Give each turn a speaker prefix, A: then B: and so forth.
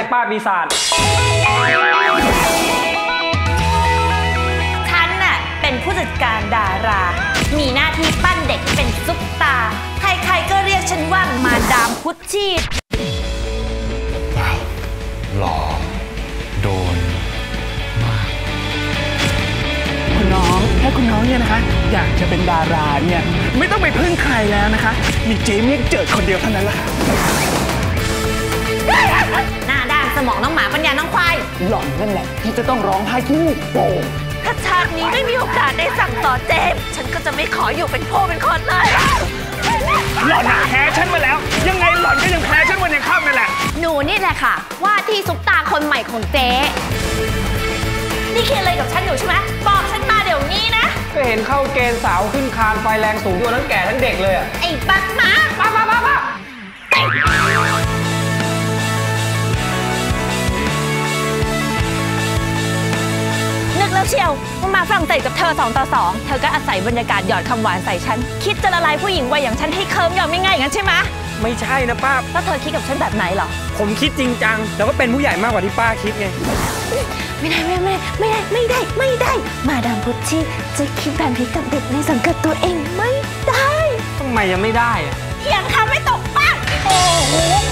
A: ป้าปีศาจ
B: ฉันน่ะเป็นผู้จัดการดารามีหน้าที่ปั้นเด็กเป็นซุปตาใครๆก็เรียกฉันว่ามาดามพุชชี่
C: ว้าวหล่อโดนมาก
D: คุณน้องถ้าคุณน้องเนี่ยนะคะอยากจะเป็นดาราเนี่ยไม่ต้องไปพึ่งใครแล้วนะคะมีเจมี่เจิดคนเดียวเท่านั้นแหละค่ะ
B: หน้าด้านสมองน้องหมาปัญญาน้องควาย
D: หล่อนนั่นแหละที่จะต้องร้องไห้ที่โป่ง
B: ถ้าชาตินี้ไม่มีโอกาสได้สั่งสอนเจมฉันก็จะไม่ขออยู่เป็นพ่อเป็นคนเลย
D: หล่อนแพ้ฉันมาแล้วยังไงหล่อนก็ยังแพ้ฉันวันยังค่ำนั่นแหละ
B: หนูนี่แหละค่ะว่าที่ซุปตาคนใหม่ของเจ๊นี่คิดอะไรกับฉันอยู่ใช่ไหมบอกฉันมาเดี๋ยวนี้นะ
A: ก็เห็นเข้าเกณฑ์สาวขึ้นคานไฟแรงสูงตัวทั้งแก่ทั้งเด็กเลย
B: ไอ้ปักมา
A: ป้า
B: นึกแล้วเชียวว่ามาฝรั่งเศสกับเธอ2 ต่อ 2เธอก็อาศัยบรรยากาศหยอดคำหวานใส่ฉันคิดจะละลายผู้หญิงวัยอย่างฉันให้เคิร์มยอมง่ายๆอย่างนั้นใช่ไหม
A: ไม่ใช่นะป้า
B: แล้วเธอคิดกับฉันแบบไหนหรอ
A: ผมคิดจริงจังแล้วก็เป็นผู้ใหญ่มากกว่าที่ป้าคิดไง
B: ไม่ได้มาดามพุชชี่จะคิดแบบนี้กับเด็กในสังกัดตัวเองไม่ได้
A: ทำไมยังไม่ได้อะ
B: เถียงคำไม่ตกปากโอ้โห